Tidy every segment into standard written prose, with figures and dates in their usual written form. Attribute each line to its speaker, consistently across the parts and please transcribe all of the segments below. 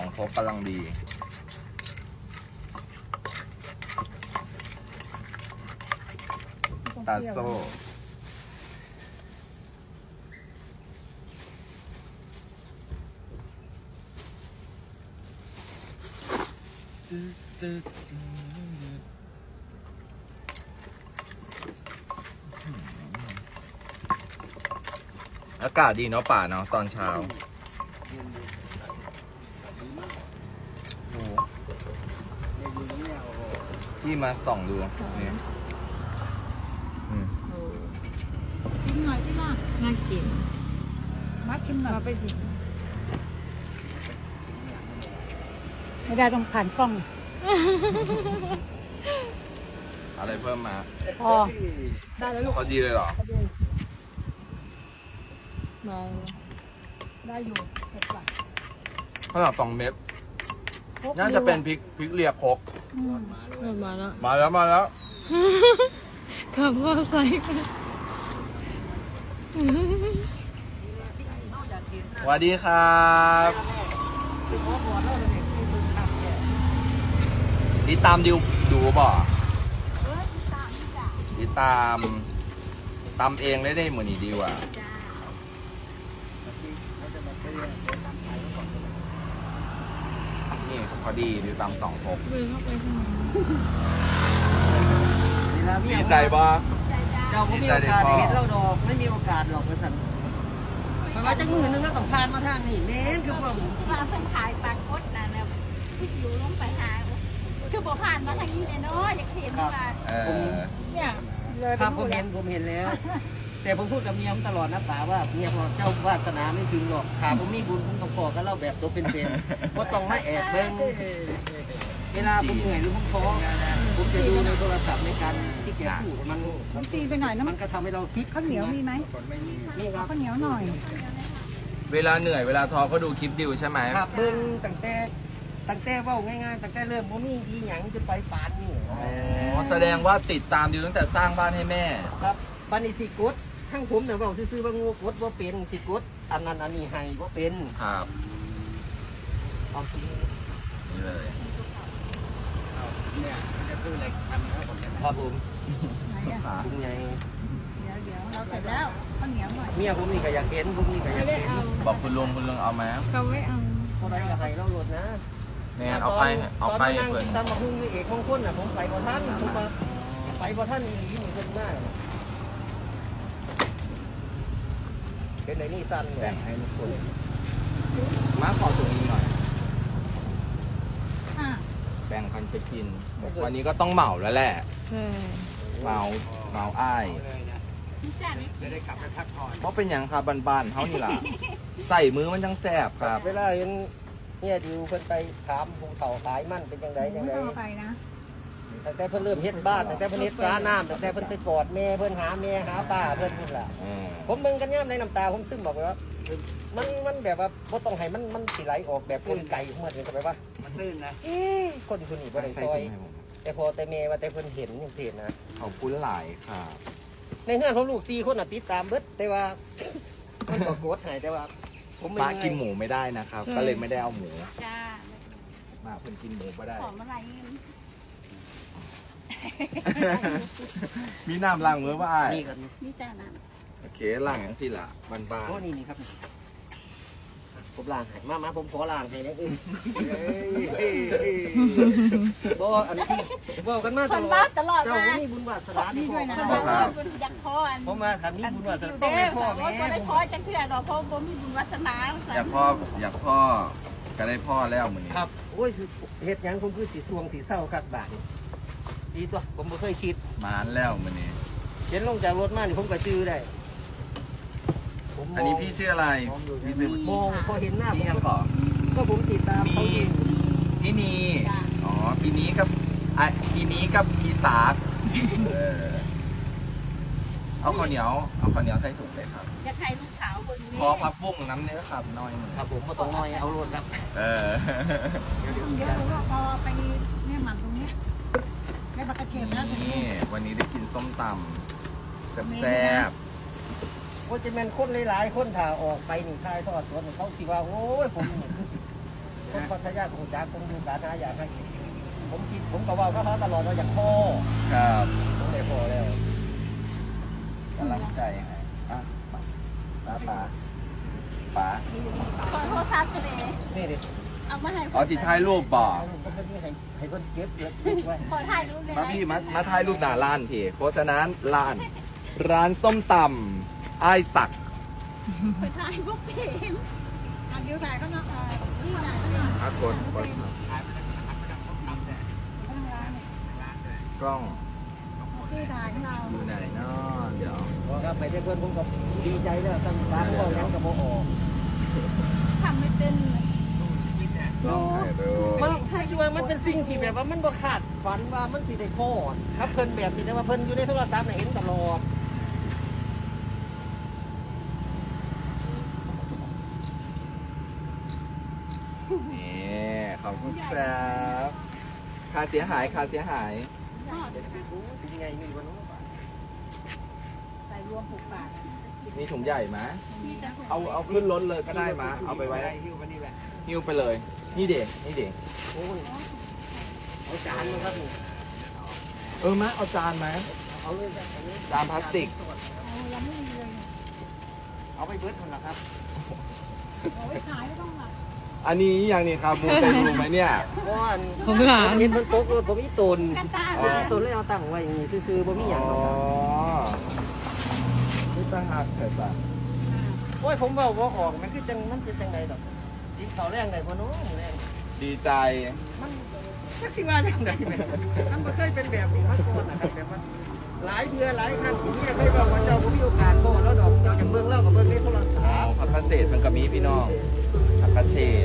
Speaker 1: 2 พกกำลังดีตาโซ่อากาศดีเนาะป่าเนาะตอนเช้าโอ้ที่มาส่องดูนี่
Speaker 2: ชิมหน่อยชิมหน่อยน่ากินมาชิมหน่อยไปชิมไม่ได้ต้องผ่านกล้อง
Speaker 1: อะไรเพิ่มมา
Speaker 2: พอได้แล้วลูก
Speaker 1: พอดีเลยเหรอ
Speaker 2: มาได้อยู่เผ็ดกว่า
Speaker 1: ขนาด2 เม็ดน่าจะเป็นพริกเรียกครก
Speaker 2: มาแล้ว
Speaker 1: มาแล้ว
Speaker 2: ขับมอไซค์
Speaker 1: สวัสดีครับดีตามดิวดูบ่ดีตามเองได้เหมือนนี่ดีว่ะนี่พอดีดิวตาม2 พกดีใจป่ะ
Speaker 3: เราไม่มีโอกาสได้เห็นเราดอกไม่มีโอกาสหรอกกระสันเพราะว่าจังมือนึงก็ต้องผ่านมาทางนี้เน้นคือว่า
Speaker 4: มาเพิ่งขายปลาคดนะเนี่ยที่อยู่ลงไปหาคือบอกผ่านมาทางนี้เลยเนาะอยากเห็นว่า
Speaker 2: เนี่ย
Speaker 3: ครับผมเห็นแล้ว แต่ผมพูดกับเมียผมตลอดนะป๋าว่าเมียบอกเจ้าวาสนาไม่จริงหรอกขาผมมีบุญผมต้องขอกันเล่าแบบตัวเป็นๆว่าต้องมาแอบเบิ้งเวลาผมเหนื่อยหรือผมท้อผมจะดูในโทรศัพท์ในการที่แกพูด
Speaker 2: มันตีไปหน่อยนะ
Speaker 3: มันก็ทำให้เราคิด
Speaker 2: ข้าวเหนียวมีไหม
Speaker 3: นี่ครับ
Speaker 2: ข้าวเหนียวหน่อย
Speaker 1: เวลาเหนื่อยเวลาท้อก็ดูคลิปดิวใช่ไหม
Speaker 3: ครับเบิ้งตั้งแต่ว่าง่ายๆตั้งแต่เริ่มผมมีที่หยังจะไปปานนี่
Speaker 1: แสดงว่าติดตามดิวตั้งแต่สร้างบ้านให้แม่
Speaker 3: ครับบันนี้สิกดทั้งผมแต่ว่าซื้อๆว่างูกดว่าเป็นสิกดอันนั้นอันนี้ให้ว่าเป็น
Speaker 1: ครับ
Speaker 3: เอาที
Speaker 1: นี่เลย
Speaker 3: เนี่ยจะซื้ออะไรทำครับผมคุณไง
Speaker 2: เดี๋ยวเราเสร็จแล้วข้าวเหนียวหน่อย
Speaker 3: เมียผมนี่ก็อยากเห็นผมนี่ก็อยากเห็น
Speaker 1: บอกคุณลุงเอาไหม
Speaker 2: เขาไม่เอา
Speaker 3: เท่าไรก็ให้เราโหลดนะ
Speaker 1: เนี่ยเอาไป
Speaker 3: เพื่อนตามมาพุ่งด้วยเอกมงคลน่ะผมไปบ่ท่านผมไปบ่ท่านอีหลีนี่เพิ่นมากเป็นไรนี่สั้น
Speaker 1: แบ่งให้ทุกคนมาขอถุงนี้หน่อยแบ่งกันไปกินวันนี้ก็ต้องเหมาแล้วแหละเหมาอ้าย
Speaker 3: ไม่ได้กลับไปพักผ่อน
Speaker 1: เพราะเป็นอย่างครับบานๆเขานี่ล่ะใส่มือมันจังแสบครับ
Speaker 3: เวลาเห็นเนี่ยดิวเพิ่นไปถามภูเขาขายมันเป็นยังไง
Speaker 2: ไปนะ
Speaker 3: ตั้งแต่เพิ่นเริ่มเฮ็ดบ้านตั้งแต่เพิ่นเฮ็ดสาน้ำตั้งแต่เพิ่นไปกอดแม่เพิ่นหาแม่หาป้าเพิ่นนี่แหละผมเบิ่งกันย่ำในน้ำตาผมซึมบอกเลยว่ามันแบบว่าบ่ต้องให้มันสิไหลออกแบบคนไก่เหมือนกันไปว่ามันตื้นนะคนคนนี้บ่ได้ซอยแต่พอแต่แม่ว่าแต่เพิ่นเห็นจังซี่นะ
Speaker 1: เขาคุ้นหลายค่ะ
Speaker 3: ในเฮือนของลูก4คนน่ะติดตามเบิดแต่ว่ามันก็กดให้แต่ว่า
Speaker 1: ผมป้ากินหมูไม่ได้นะครับก็เลยไม่ได้เอาหมู
Speaker 4: จ้า
Speaker 1: มาเพิ่นกินหมูไม่ได้
Speaker 4: หอมอะไร
Speaker 1: มีน้ำล้างมือป่ะ
Speaker 3: นี่ครับ
Speaker 4: นี่จ้าน้
Speaker 1: ำโอเคล้างอย่างสิล่ะบ้านๆ
Speaker 3: โอ้นี่ครับผมล้างให้มาผมขอล้างให้นะบ่อันนี้บอกกันมาตลอดเจ้ามีบุญวาสนาดีด้วยนะ
Speaker 4: อยากพอ
Speaker 3: ผมมาถามมีบุญวาสนาต้องได้พ่อแม่
Speaker 4: ได้พ่อจังเถื่อดอกพ่อผมมีบุญวาสนา
Speaker 1: อยากพ่อก็ได้พ่อแล้วมื้อนี้
Speaker 3: ครับโอ้ยเฮ็ดหยังผมคือสีสวงสีเศร้าคักบาดดีตัวผมไม่เคยคิด
Speaker 1: มานแล้วมื้อนี้
Speaker 3: เห็นลงจากรถมานี่ผมก็ชื่อได้
Speaker 1: อันนี้พี่ชื่ออะไรพี่ชื่อ
Speaker 3: มองพอเห็นหน้า
Speaker 1: พี่ยังก่อ
Speaker 3: ก็ผมติดตามเขา
Speaker 1: พี่มีอ๋อพี่นี้กับพี่สาเอาข้าวเหนียวใส่ถุงเลยครับ
Speaker 4: อยากให้ลูกสาวคนนี้
Speaker 1: พอพับบุ้งน้ำเนื้อครับน้อยหนึ่ง
Speaker 3: ครับผมมาต้องน้อยเอารถครับ
Speaker 2: เดี๋ยวพอไปเนี่ยหมันตรงนี้ได้บักกระเทียมแล้ว
Speaker 1: นี่วันนี้ได้กินส้มตำแซ่บ
Speaker 3: ว่าจะเป็นคนหลายๆคนถ่าออกไปนี่ทายทอดสวนเขาสิว่าโอ้ยผมคนพัทยาคงจ้าคงดูการนะอยากให้ผมก็ว่าเขาตลอดว่าอยากพ่อ
Speaker 1: ครับ
Speaker 3: ผมเลยพ่อแล้ว
Speaker 1: กำลังใจให้อ่ะป๋า
Speaker 4: ขอโทรศัพท์ตัวเอง
Speaker 3: นี่ดิ
Speaker 4: เอามาให้
Speaker 1: อ๋อสิถ่ายรูปบ่
Speaker 3: ก็ไม่ได้ให้คนเก็บไว้
Speaker 4: ขอถ่ายรูปเลย
Speaker 1: มาพี่มาถ่ายรูปหน้าร้านพี่เพราะฉะนั้นร้านส้มตำอ้ายศักดิ์
Speaker 4: ขอถ่ายพวกเพน
Speaker 2: อันเดียวไหนก็นะนี่ไหนก็นะ
Speaker 1: อากดกล้อง
Speaker 2: ที่ถ่ายของเรา
Speaker 1: อยู่ไหนเนาะเดี๋ยว
Speaker 3: ครับไปได้เพื่อนผมก็ดีใจแล้วตั้งร้านก็ยังกับโมโห
Speaker 4: ทำไม่เป็นเลย
Speaker 1: กล้องถ่ายรูป
Speaker 3: มันให้สิว่ามันเป็นสิ่งที่แบบว่ามันบ่ขาดฝันว่ามันสิได้โคตรครับเพิ่นแบบนี้แต่ว่าเพิ่นอยู่ในโทรศัพท์เห็นตลอด
Speaker 1: นี่ขอบคุณครับค่าเสียหาย
Speaker 3: เป็นไงมีวันนู้น
Speaker 2: ใส่รวม6 บาท
Speaker 1: มีถุงใหญ่ไหม
Speaker 4: มีแต่
Speaker 1: เอาขึ้นรถเลยก็ได้มาเอาไปไว้
Speaker 3: หิ้วไปนี่แหละ
Speaker 1: หิ้วไปเลย นี่เด็กนี่เด็ก
Speaker 3: โอ้ยเอาจานมาครับนี่
Speaker 1: มาเอาจานไหม
Speaker 3: เอาเลยจ้ะเอาเลย
Speaker 1: จานพลาสติก
Speaker 2: ยังไม่มีเลย
Speaker 3: เอาไปเบิร์ดคนละครับ
Speaker 2: โอ้ยขายไม่ต้องหลับ
Speaker 1: อันนี้อย่างนี้ครับมูเตลูไหมเนี่ย
Speaker 3: ก้อนผมหาเห็นเพิ่นโต๊ะรถผมอีตน
Speaker 4: กระตา
Speaker 1: อ๋อ
Speaker 3: อีตนเลยเอาตั้งไว้อย่างนี้ซื่อๆบ่มีหยังหรอกครับ
Speaker 1: นี่ตั้งหักแต่สัตว์
Speaker 3: โอ้ยผมเว้าบ่ออกมันคือจังมันเป็นจังไดดอกกินข้าวแรงได้บ่เนาะแรง
Speaker 1: ดีใจ
Speaker 3: มันจักสิว่าจังไดแม่มันบ่เคยเป็นแบบนี้มาก่อนนะครับแบบว่าหลายเดือนหลายครั้งที่เมียเคยบอกว่าเจ้าบ่มีโอกาสบ่แล้วดอกเจ้าจะเบิ่งแล้วก็เบิ่งในโทรศัพท์
Speaker 1: ผักกระเศษมันก็มีพี่น้องผักกระเฉด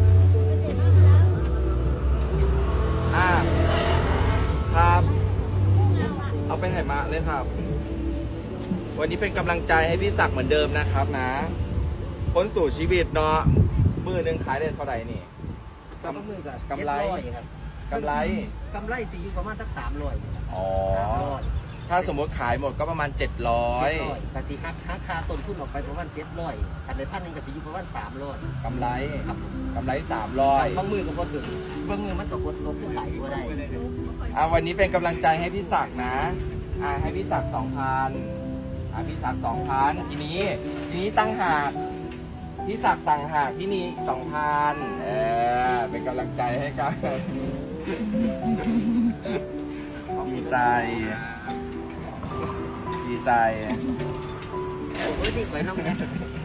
Speaker 1: ครับ เอาไปไหมะเลยครับ วันนี้เป็นกำลังใจให้พี่ศักดิ์เหมือนเดิมนะครับนะพ้นสู่ชีวิตเนาะมือหนึ่งขายได้เท่าไหร่นี่
Speaker 3: กำมือกับ
Speaker 1: กำไร
Speaker 3: ครับ
Speaker 1: กำไร
Speaker 3: กำไรสิอยู่ประมาณสัก300
Speaker 1: อ๋อ
Speaker 3: 300
Speaker 1: ถ้าสมมติขายหมดก็ประมาณ 700
Speaker 3: กสิหักค่าต้นทุนออกไปประมาณ700อันในพันหนึงก็สิอยู่ประมาณ300
Speaker 1: กำไร
Speaker 3: ครับ
Speaker 1: กำไร
Speaker 3: บางมือก็บ่ถึงบางมือมันก็กดลบขึ้นไหลบ่ได้
Speaker 1: 300วันนี้เป็นกำลังใจให้พี่ศักดิ์นะให้พี่ศักดิ์2,000พี่ศักดิ์2,000ทีนี้ตั้งหากพี่ศักดิ์ต่างหากพี่นีอีก2,000เป็นกำลังใจให้กัน ดีใจ ดีใจ
Speaker 3: โอ้ยนี่ไปน้ำเนี่ย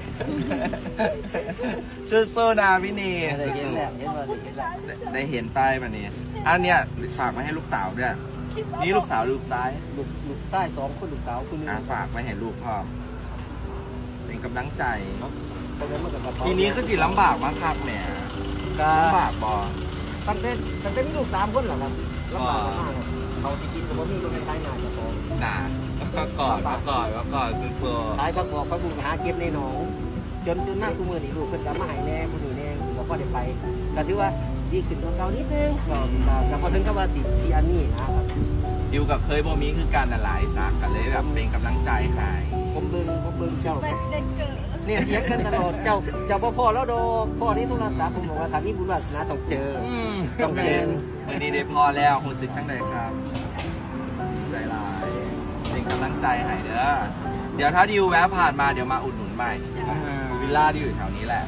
Speaker 1: สู้ๆนะพี่นี
Speaker 3: ได้เห็นแล้วเห็นว่าได้เห็นแล้ว
Speaker 1: ได้เห็นใต้มาเนี่ยอันเนี้ยฝากมาให้ลูกสาวด้วยนี่ลูกสาวลูกซ้าย
Speaker 3: ลูกชาย2คนลูกสาวคนนึง
Speaker 1: ฝากมาให้ลูกพ่อเป็นกำลังใจ
Speaker 3: เพราะฉะนั้นมันก็กระเป๋า
Speaker 1: ทีนี้คือสิลำบากมากครับแหม
Speaker 3: ก็
Speaker 1: ลำบากบอ
Speaker 3: ตั้งแต่มีลูก3คนเหรอครับลำบากมากครับเขาที่กินก็บ่มีก็ไม่ใช้หน้าเจ้าของ
Speaker 1: หนามาก่อนสู้
Speaker 3: ขายผักบอกผักบุญหาเก็บในหนองจนมากกูมือนี่ลูกเพิ่นก็มาให้แน่ผู้นี้แน่บอกว่าได้ไปก็ถือว่าดีขึ้นกว่าเก่านิดนึงก็พอถึงกับว่าสิอันนี้นะครับ
Speaker 1: ๆดิวกับเคยบ่มีคือกันน่ะหลายสากกันเลยแบบเป็นกำลังใจให้
Speaker 3: ผมเบิ่งเจ้า
Speaker 4: ไม่ได้เจอ
Speaker 3: เนี่ยเถียงกันตลอดเจ้าบ่พอแล้วดอกพ่อนี่โทรศัพท์ผมบอกว่าถ้ามีบุญวาสนาต้องเจอ ต้องเจอ
Speaker 1: วันนี้ได้พอแล้วคุณสึกทั้งใดครับใจหลายเป็นกำลังใจให้เด้อเดี๋ยวถ้าดิวแวะผ่านมาเดี๋ยวมาอุดหนุนใหม่วิลล่าที่อยู่แถวนี้แหละ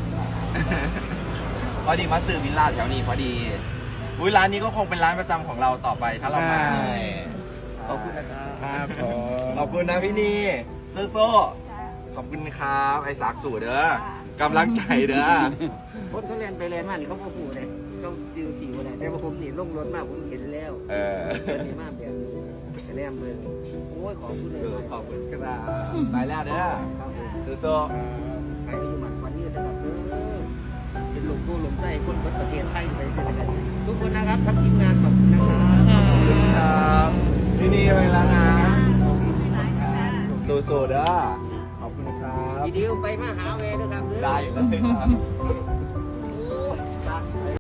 Speaker 1: พอดีมาซื้อวิลล่าแถวนี้พอดีร้านนี้ก็คงเป็นร้านประจำของเราต่อไปถ้าเรามา
Speaker 3: ขอบคุณนะครับ
Speaker 1: ขอบคุณนะพี่นีโซ่ขอบคุณครับไอ้สากสู่เด้อกำลังใจเด้อ
Speaker 3: คนเขาเรียนไปเรียนมานี่เขาบ่ฮู้เลยเขาจื้อผิวอะไรแต่ว่าผมนี่ลงรถมาผมเห็นแล้วเพิ่นนี่มาแบบนี้แต่แนมเบิ่งโอ้ยขอบคุณเลย
Speaker 1: ขอบคุณครับไปแล้วเด้อ
Speaker 3: ครับผม
Speaker 1: โซ่
Speaker 3: ใครที่อยู่หมันวันนี้นะครับเป็นหลวงปู่หลวงใจคนประเทศไทยไปเจอกันทุกคนนะครับทั้งทีมงานขอบคุณนะครับ
Speaker 1: ครับพี่นีไปแล้วนะ
Speaker 4: หลายค่ะ
Speaker 1: โซ่เด้อขอบคุณครับ
Speaker 3: วิดีโอไปมาหาแวด้วยครับ
Speaker 1: ได้เลยครับ